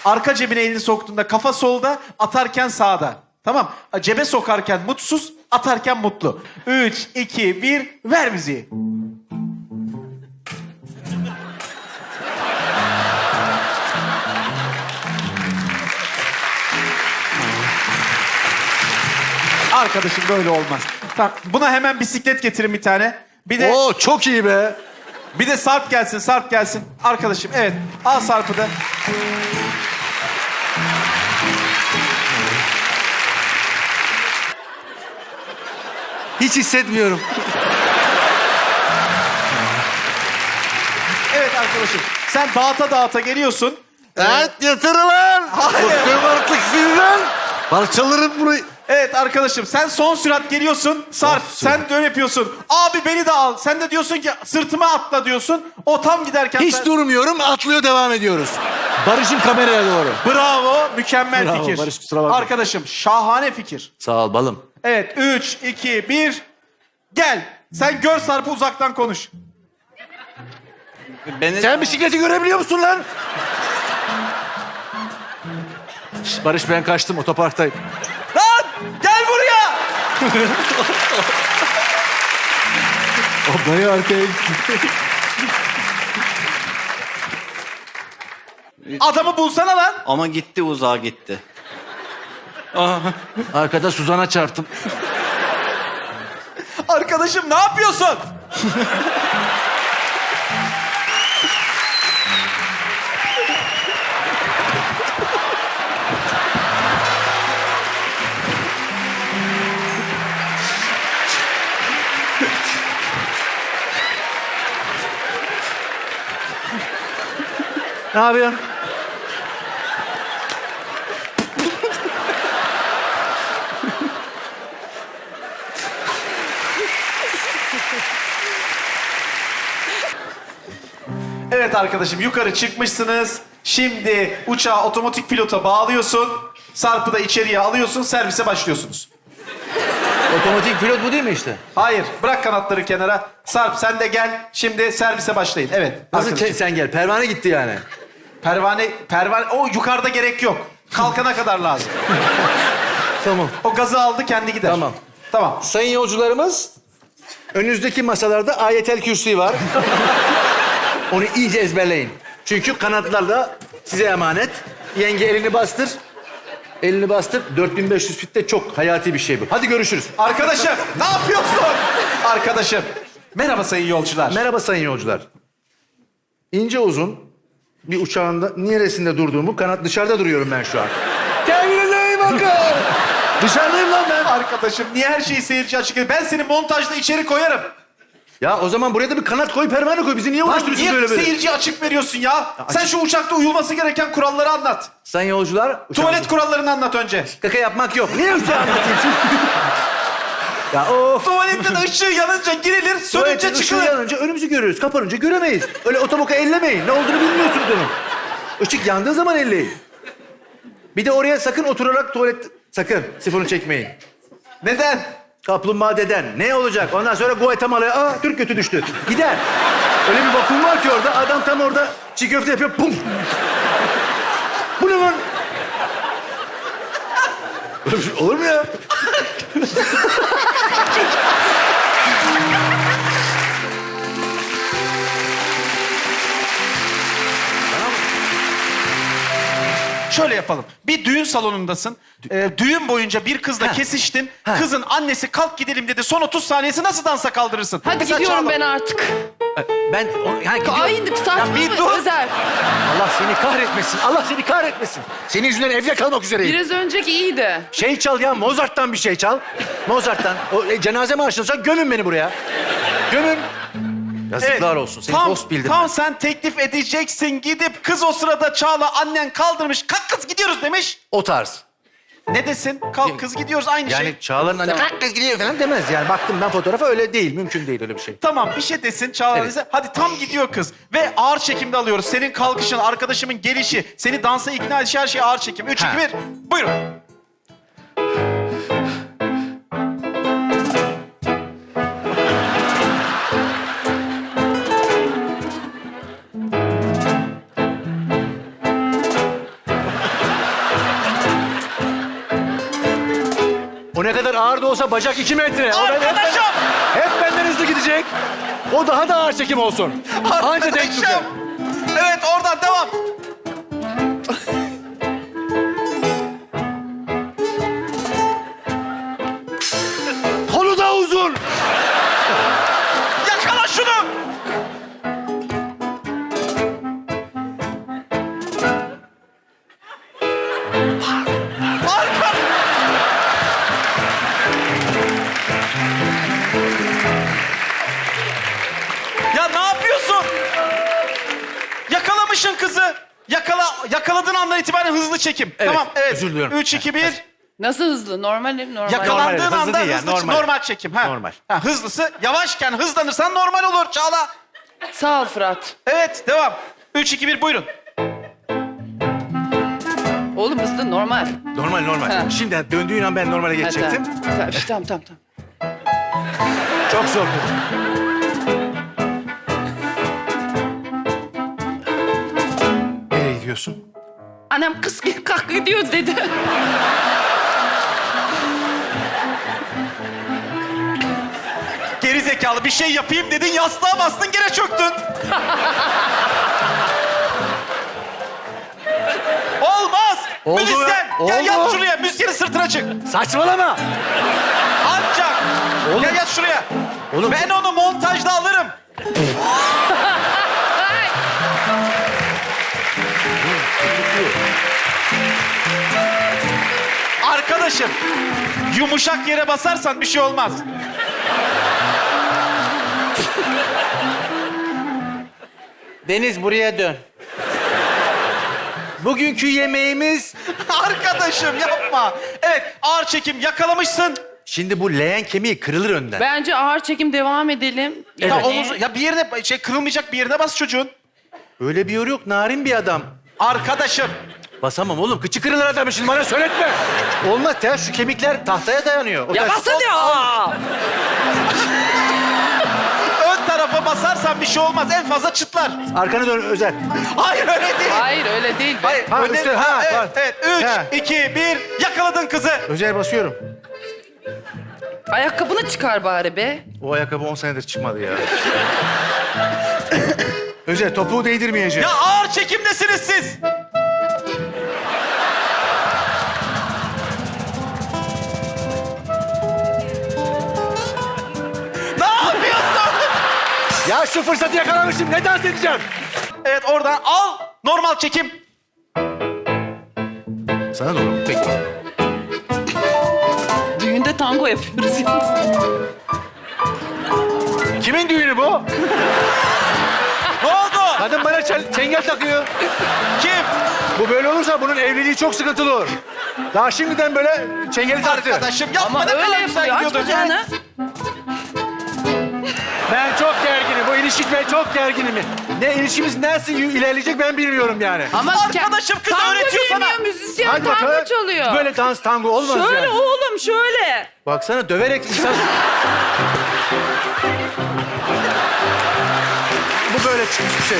Arka cebine elini soktuğunda kafa solda, atarken sağda. Tamam. Cebe sokarken mutsuz, atarken mutlu. 3, 2, 1, ver müziği. Arkadaşım böyle olmaz. Tamam, buna hemen bisiklet getirin bir tane. Bir de Oo çok iyi be. bir de Sarp gelsin, Sarp gelsin. Arkadaşım evet, al Sarp'ı da. Hiç hissetmiyorum. Evet arkadaşım, sen dağıta dağıta geliyorsun. Evet yeter lan. Hayır. Bıktım artık sizden. Parçalarım burayı. Evet arkadaşım, sen son sürat geliyorsun. Sarp, sen de öyle yapıyorsun. Abi beni de al. Sen de diyorsun ki sırtıma atla diyorsun. O tam giderken... Hiç durmuyorum, atlıyor devam ediyoruz. Barış'ın kameraya doğru. Bravo, mükemmel Bravo, fikir. Barış, kusura bakma. Arkadaşım, şahane fikir. Sağ ol balım. Evet, 3, 2, 1. Gel. Sen gör Sarp'ı, uzaktan konuş. Sen bisikleti görebiliyor musun lan? Şş, Barış ben kaçtım, otoparktayım. Lan! Gel buraya! O dayı arkaya gitti. Adamı bulsana lan. Ama gitti, uzağa gitti. Arkada Suzan'a çarptım. Arkadaşım ne yapıyorsun? Ne yapıyorsun? Evet arkadaşım, yukarı çıkmışsınız. Şimdi uçağı otomatik pilota bağlıyorsun. Sarp'ı da içeriye alıyorsun, servise başlıyorsunuz. Otomatik pilot bu değil mi işte? Hayır, bırak kanatları kenara. Sarp sen de gel. Şimdi servise başlayın. Evet. Nasıl arkadaşım. sen gel? Pervane gitti yani. Pervane, o yukarıda gerek yok. Kalkana kadar lazım. Tamam. O gazı aldı, kendi gider. Tamam. Tamam. Sayın yolcularımız, önünüzdeki masalarda ayetel kürsi var. Onu iyice ezberleyin. Çünkü kanatlar da size emanet. Yenge elini bastır. Elini bastır. 4500 fitte çok hayati bir şey bu. Hadi görüşürüz. Arkadaşım, ne yapıyorsun? Arkadaşım. Merhaba sayın yolcular. Merhaba sayın yolcular. İnce uzun bir uçağın da neresinde durduğumu, kanat dışarıda duruyorum ben şu an. Kendinize iyi bakın. Dışarıdayım lan ben. Arkadaşım, niye her şeyi seyirci açık ediyorsun? Ben seni montajda içeri koyarım. Ya o zaman buraya da bir kanat koy, pervane koy. Bizi niye Lan uğraştırıyorsun niye böyle böyle? seyirciye açık veriyorsun ya? Sen şu uçakta uyulması gereken kuralları anlat. Sayın yolcular... Tuvalet kurallarını anlat önce. Kaka yapmak yok. Niye uçağı anlatayım şimdi? Ya of. Tuvalette de ışığı yanınca girilir, sönünce Tuvaletin ışığı çıkılır. yanınca önümüzü görüyoruz. Kapanınca göremeyiz. Öyle otoboka ellemeyin. Ne olduğunu bilmiyorsunuz onun. Işık yandığı zaman elleyin. Bir de oraya sakın oturarak tuvalet... Sakın sifonu çekmeyin. Neden? Kaplumbağa deden. Ne olacak? Ondan sonra Guatemala'ya... Aa Türk götü düştü. Gider. Öyle bir vakum var ki orada. Adam tam orada çiğ köfte yapıyor. Pum. Bu ne lan? Böyle bir şey olur mu ya? Şöyle yapalım. Bir düğün salonundasın. Düğün boyunca bir kızla Ha. kesiştin. Ha. Kızın annesi kalk gidelim dedi. Son 30 saniyesi nasıl dansa kaldırırsın? Hadi Mesela gidiyorum Çağla- ben artık. Ben... Yani gidiyorum. Ay saçma bir dur. Özer. Allah seni kahretmesin. Allah seni kahretmesin. Senin yüzünden evde kalmak üzereyim. Biraz önceki iyiydi. Şey çal ya, Mozart'tan bir şey çal. Mozart'tan. O cenaze marşını çal, gömün beni buraya. Gömün. Yazıklar olsun. Seni dost bildim Tam ben. sen teklif edeceksin, gidip kız o sırada Çağla annen kaldırmış. Kalk kız gidiyoruz demiş. O tarz. Ne desin? Kalk kız gidiyoruz, aynı Yani şey. Çağlar'ın anne kalk kız gidiyor falan demez yani. Baktım ben fotoğrafa, öyle değil. Mümkün değil öyle bir şey. Tamam, bir şey desin Çağla Evet. bize. Hadi tam gidiyor kız. Ve ağır çekimde alıyoruz. Senin kalkışın, arkadaşımın gelişi, seni dansa ikna edişi, her şey ağır çekim. 3, 2, Ha. 1. Buyurun. Ne kadar ağır da olsa bacak 2 metre. Arkadaşım! Hep benden hızlı gidecek. O daha da ağır çekim olsun. Anca denk tutar. Arkadaşım! Evet oradan devam. Kolu da uzun. Yakala şunu! Arka! Ya ne yapıyorsun? Yakalamışsın kızı. Yakaladığın andan itibaren hızlı çekim. Evet, Tamam, evet. özür diliyorum. 3, 2, 1. Nasıl hızlı? Normal mi? Normal. Yakalandığın Normal, hızlı anda değil ya, hızlı normal. normal çekim. Ha. Normal. Ha, hızlısı. Yavaşken hızlanırsan normal olur Çağla. Sağ ol Fırat. Evet, devam. 3, 2, 1 buyurun. Oğlum hızlı normal. Normal. Ha. Şimdi döndüğün an ben normale Ha, geçecektim. Tamam. Çok zor. Nereye gidiyorsun? Annem kız kalk gidiyoruz dedi. Geri zekalı bir şey yapayım dedin, yastığa bastın gene çöktün. Olmaz. Oldu Müzisyen ya, gel oldu. yat şuraya. Müzisyenin sırtına çık. Saçmalama. Ancak. Oğlum. Gel yat şuraya. Oğlum. Ben onu montajda alırım. Arkadaşım, yumuşak yere basarsan bir şey olmaz. Deniz buraya dön. Bugünkü yemeğimiz... Arkadaşım yapma. Evet, ağır çekim yakalamışsın. Şimdi bu leğen kemiği kırılır önden. Bence ağır çekim devam edelim. Ya omuzu, ya bir yerine kırılmayacak bir yerine bas çocuğun. Öyle bir yor yok. Narin bir adam. Arkadaşım. Basamam oğlum. Kıçı kırılır adamın şimdi bana söyletme. Olmaz. Ters şu kemikler tahtaya dayanıyor. O Ya ters- basın ya. Ön tarafa basarsan bir şey olmaz. En fazla çıtlar. Arkanı dön Özer. Hayır öyle değil. Hayır öyle değil. Hayır. Ha, öne- üstte, ha, evet, var. evet. Ha. 3, 2, 1. Yakaladın kızı. Özer basıyorum. Ayakkabını çıkar bari be. O ayakkabı 10 senedir çıkmadı ya. Özer topuğu değdirmeyeceğim. Ya ağır çekimdesiniz siz. Ne yapıyorsun? Ya şu fırsatı yakalamışım. Ne dans edeceğim? Evet oradan al. Normal çekim. Sana doğru. Peki. Düğünde tango yapıyoruz yalnız. Kimin düğünü bu? Ne oldu? Kadın bana çengel takıyor. Kim? Bu böyle olursa bunun evliliği çok sıkıntılı olur. Daha şimdiden böyle çengeli taktı. Arkadaşım yapma. Ama ne öyle kadar güzel yapıyor. Aç gidiyordun. bacağını. Ben çok gerginim. Bu ilişki ben çok gerginim. Ne ilişkimiz nasıl ilerleyecek ben bilmiyorum yani. Ama Arkadaşım kız tango öğretiyor sana. bilmiyor, müzisyen Hadi tango bakalım. çalıyor. Böyle dans tango olmaz Şöyle yani. oğlum şöyle. Baksana döverek insan... Bu böyle çıkmış bir şey.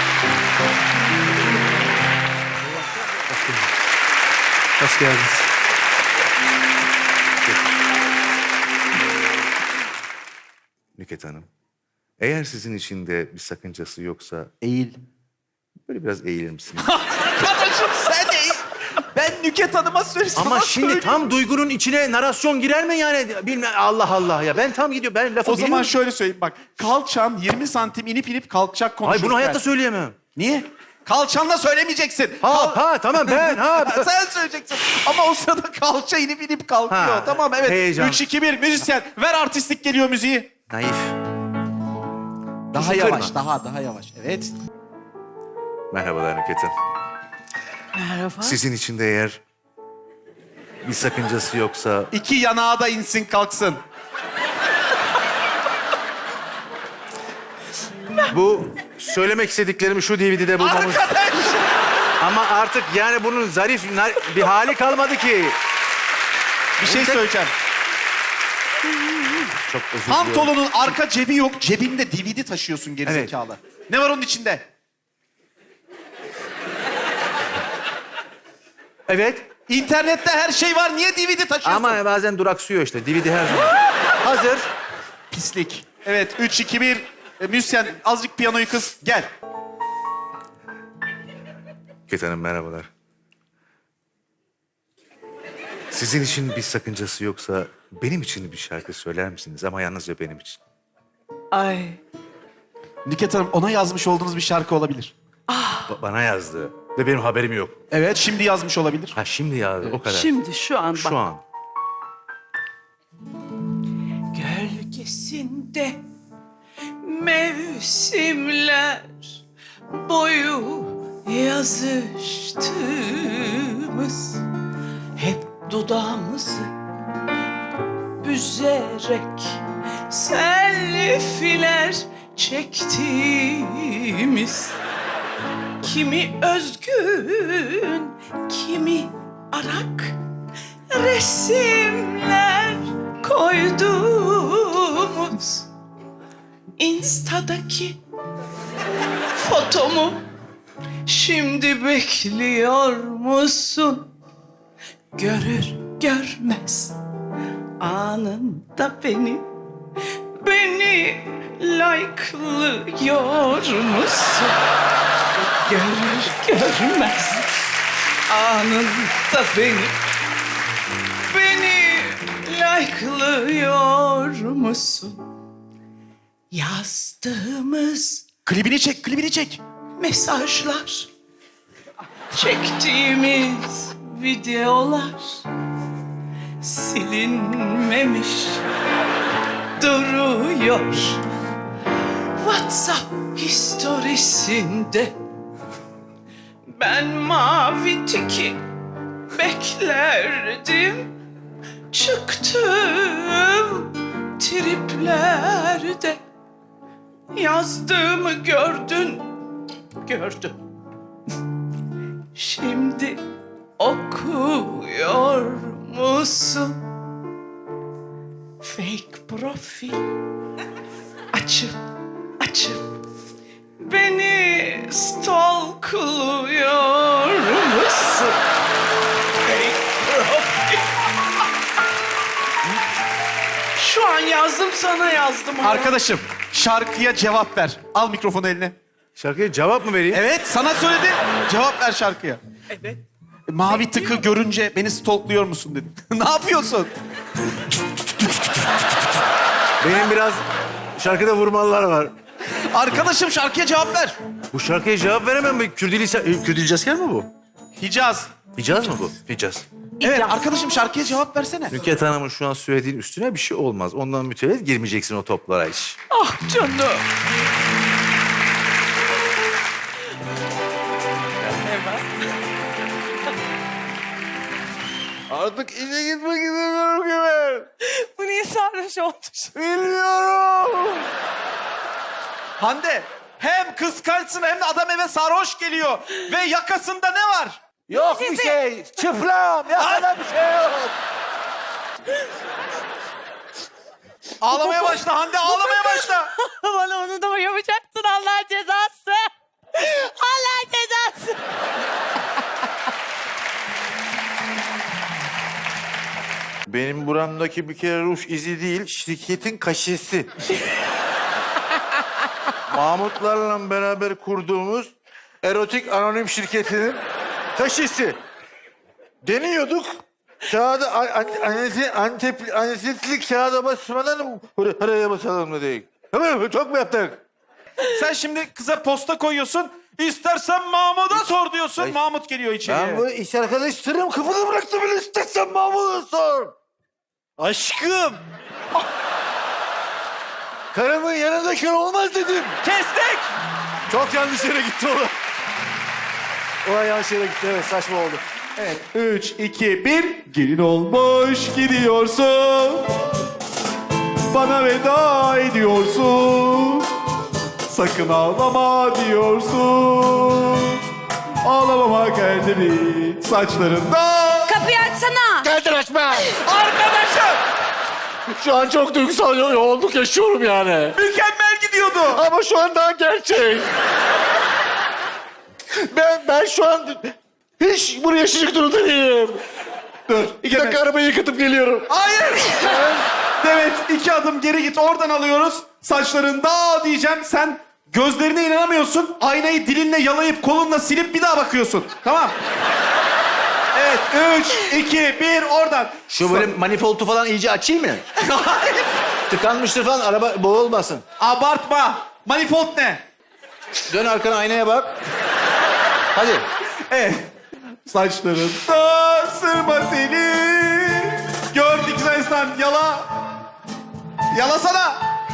Hoş geldiniz. Nüket Hanım, eğer sizin için de bir sakıncası yoksa Eğil. böyle biraz eğilir misiniz? Arkadaşım sen eğil. Ben Nüket Hanım'a söylesem. Ama şimdi tam duygunun içine narasyon girer mi yani? Bilmem Allah Allah ya. Ben tam gidiyor. Ben lafı O zaman bilmiyorum. şöyle söyleyeyim bak. Kalçan 20 santim inip kalkacak Ay konuşurken. bunu hayatta söyleyemem. Niye? Kalçanla söylemeyeceksin. Ha tamam ben ha. Sen söyleyeceksin. Ama o sırada kalça inip kalkıyor. Ha, Tamam evet. heyecan. 3, 2, 1 müzisyen. Ver artistlik geliyor müziği. Naif. Daha Tuzu yavaş. kırma. Daha yavaş. Evet. Merhabalar Nüket Hanım. Merhaba. Sizin için de eğer bir sakıncası yoksa 2 yanağa da insin kalksın. Bu söylemek istediklerimi şu DVD'de bulmamız... Arkadaş. Ama artık yani bunun zarif bir hali kalmadı ki. Bir şey söyleyeceğim. Çok özür diliyorum. Pantolonun arka cebi yok. Cebinde DVD taşıyorsun gerizekalı. Ne var onun içinde? Evet. İnternette her şey var. Niye DVD taşıyorsun? Ama bazen duraksıyor işte. DVD her zaman. Hazır. Pislik. Evet, 3, 2, 1. Müzisyen, azıcık piyanoyu kız. Gel. Nükhet Hanım merhabalar. Sizin için bir sakıncası yoksa benim için bir şarkı söyler misiniz? Ama yalnızca benim için. Ay. Nükhet Hanım, ona yazmış olduğunuz bir şarkı olabilir. Bana yazdı. Ve benim haberim yok. Evet, şimdi yazmış olabilir. Ha şimdi yazdı. O kadar. Şimdi şu an bak. Şu an. Gölgesinde mevsimler boyu yazıştığımız, hep dudağımızı büzerek selfiler çektiğimiz, kimi özgün, kimi arak resimler koyduğumuz Insta'daki fotomu şimdi bekliyor musun? Görür görmez anında beni like'lıyor musun? Görür görmez anında beni like'lıyor musun? Yazdığımız Klibini çek, klibini çek. mesajlar, çektiğimiz videolar silinmemiş duruyor. WhatsApp historisinde ben mavi tiki beklerdim. Çıktım triplerde, yazdığımı gördün. Şimdi okuyor musun? Fake profil açıp beni stalkluyor musun? Fake profil. Şu an yazdım, sana yazdım. ama. Arkadaşım, şarkıya cevap ver. Al mikrofonu eline. Şarkıya cevap mı vereyim? Evet, sana söyledim. Cevap ver şarkıya. Evet. Mavi tıkı görünce beni stalkluyor musun dedim. Ne yapıyorsun? Benim biraz şarkıda vurmalılar var. Arkadaşım, şarkıya cevap ver. Bu şarkıya cevap veremem. Kürdilicasker mi bu? Hicaz. Hicaz mı bu? Hicaz. Evet, arkadaşım şarkıya cevap versene. Nükhet Hanım'ın şu an söylediğin üstüne bir şey olmaz. Ondan mütevellit girmeyeceksin o toplara hiç. Ah canım. Artık işe gitmek istemiyorum ki ben. Bu niye sarhoş olmuş? Bilmiyorum. Hande, hem kıskançsın hem de adam eve sarhoş geliyor. Ve yakasında ne var? Yok bir şey. Çıplam. Yakada bir şey yok. Ağlamaya başla Hande, ağlamaya başla. Bana onu da mı yapacaksın, Allah'ın cezası? Allah'ın cezası. Benim buramdaki bir kere ruj izi değil, şirketin kaşesi. Mahmutlarla beraber kurduğumuz erotik anonim şirketinin kaşesi. Deniyorduk. Kağıda antetli kağıda basmadan oraya basalım dedik. Tamam mı? Çok mu yaptık? Sen şimdi kıza posta koyuyorsun. İstersen Mahmut'a sor diyorsun. Ay. Mahmut geliyor içeriye. Ben bu iş arkadaşlarım kapıda bıraktım bile istersen Mahmut'a sor. Aşkım. Karımın yanındayken olmaz dedim. Kestik. Çok yanlış yere gitti o. Olay yanlış yere gitti, evet, saçma oldu. Evet. 3, 2, 1. Gelin olmuş gidiyorsun. Bana veda ediyorsun. Sakın ağlama diyorsun. Ağlamama geldi mi saçlarında? Kapıyı açsana. Geldin açma. Arkadaşım, Şu an çok duygusal yoğunluk yaşıyorum yani. mükemmel gidiyordu. Ama şu an daha gerçek. Ben şu an hiç bunu yaşayacak durumda değilim. Dur. 2 dakika arabayı yıkatıp geliyorum. Hayır. Evet, 2 adım geri git. Oradan alıyoruz. Saçların daha diyeceğim. Sen gözlerine inanamıyorsun. Aynayı dilinle yalayıp kolunla silip bir daha bakıyorsun. Tamam. Evet, 3, 2, 1 oradan. Şu böyle manifoldu falan iyice açayım mı? Tıkanmıştır falan, araba boğulmasın. Abartma. Manifold ne? Dön arkana, aynaya bak. Hadi. Evet. Saçların da sırma seni. Gördük Gülistan. Yala. Yalasana.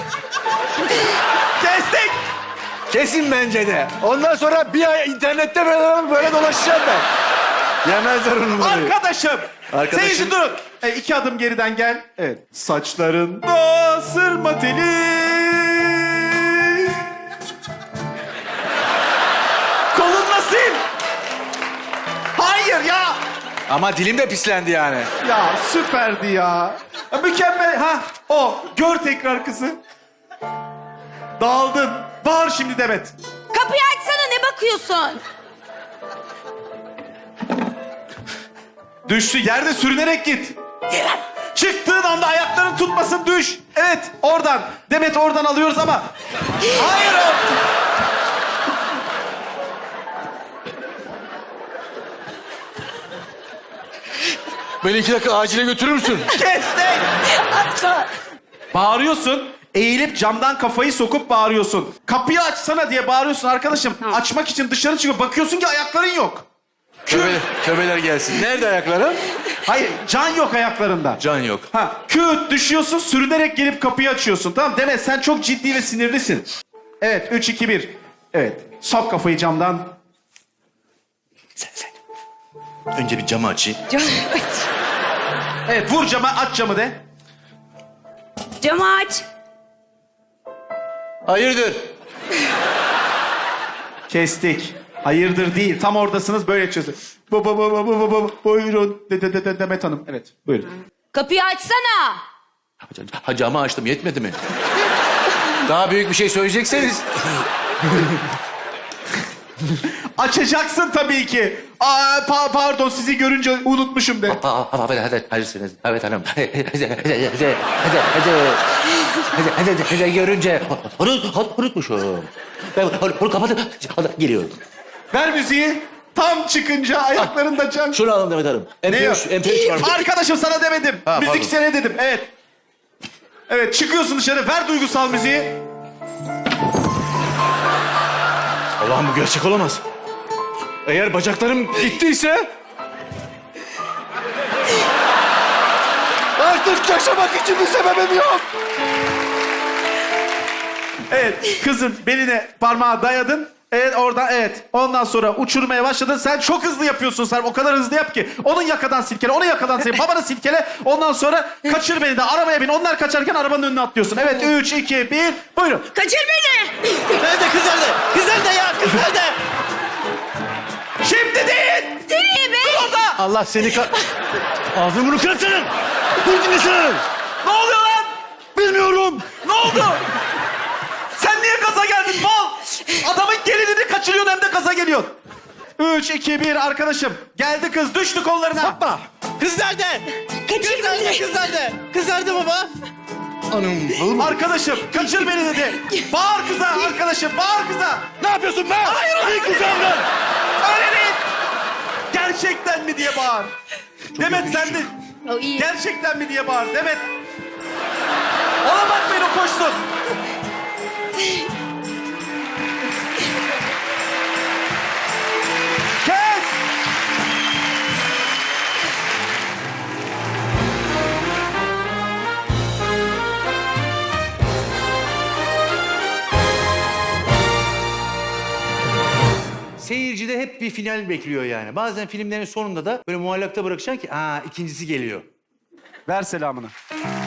Kestik. Kesin bence de. Ondan sonra bir ay internette böyle dolaşacağım ben. Yemezler onu böyle. Arkadaşım. Arkadaşım. Seyirci durun. 2 adım geriden gel. Evet. Saçların da sırma teli. Kolunla sil. Hayır ya. Ama dilim de pislendi yani. Ya süperdi ya. Mükemmel. Ha o. Gör tekrar kızı. Dağıldın. Bağır şimdi Demet. Kapıyı açsana, ne bakıyorsun? Düştü. Yerde sürünerek git. Çıktığın anda ayakların tutmasın, düş. Evet, oradan. Demet oradan alıyoruz ama. Hayır o. Beni 2 dakika acile götürür müsün? Kestik. Açma. Bağırıyorsun. Eğilip camdan kafayı sokup bağırıyorsun. Kapıyı açsana diye bağırıyorsun arkadaşım. Açmak için dışarı çıkıyor. Bakıyorsun ki ayakların yok. Töbeler gelsin. Nerede ayakları? Hayır, can yok ayaklarında. Can yok. Ha, küt düşüyorsun, sürünerek gelip kapıyı açıyorsun. Tamam Demet, sen çok ciddi ve sinirlisin. Evet, 3, 2, 1. Evet, sok kafayı camdan. Sen. Önce bir camı açayım. Evet, vur cama, aç camı de. Camı aç. Hayırdır? Kestik. Hayırdır değil, tam oradasınız, böyle açıyorsun. Buyurun, Demet Hanım. Evet, buyurun. Kapıyı açsana. Ha, camı açtım, yetmedi mi? Daha büyük bir şey söyleyecekseniz. Açacaksın tabii ki. Pardon, sizi görünce unutmuşum de. Evet hanım. Hadi görünce unutmuşum. Ben onu kapatıp geliyorum. Ver müziği. Tam çıkınca ayaklarında can. Şunu alın Demet Hanım. MP3 var mı? Arkadaşım sana demedim. Ha, Müzik pardon. sene dedim. Evet. Evet, çıkıyorsun dışarı. Ver duygusal müziği. Allah'ım bu gerçek olamaz. Eğer bacaklarım gittiyse... Artık yaşamak için bir sebebim yok. Evet, kızın beline parmağı dayadın. Evet, oradan evet. Ondan sonra uçurmaya başladın. Sen çok hızlı yapıyorsun Sarp. O kadar hızlı yap ki. Onun yakadan silkele, onu yakadan silkele, babanı silkele. Ondan sonra kaçır beni de. Arabaya bin. Onlar kaçarken arabanın önüne atlıyorsun. Evet, 3, 2, 1. Buyurun. Kaçır beni. Nerede kız nerede? Kız nerede ya? Kız nerede? Şimdi değil. Nereye be? Orada. Allah seni Ağzını bunu kırsın! Dur dinlesin! Ne oluyor lan? Bilmiyorum! Ne oldu? Sen niye gaza geldin mal? Adamın gelinini kaçırıyorsun hem de gaza geliyorsun. 3, 2, 1 arkadaşım. Geldi kız, düştü kollarına. Yapma. Kız nerede? Kaçır beni. Kız nerede? Kız nerede baba? Anam, Arkadaşım kaçır beni dedi. Bağır kıza arkadaşım, bağır kıza. ne yapıyorsun be? Hayır, İyi kucağımdan! Öyle değil. Gerçekten mi diye bağır. Demet sen de O iyi. gerçekten mi diye bağır. Demet. Ona bakmayın, o koşsun. Kes. Seyircide hep bir final bekliyor yani. Bazen filmlerin sonunda da böyle muallakta bırakacaksın ki ikincisi geliyor. Ver selamını.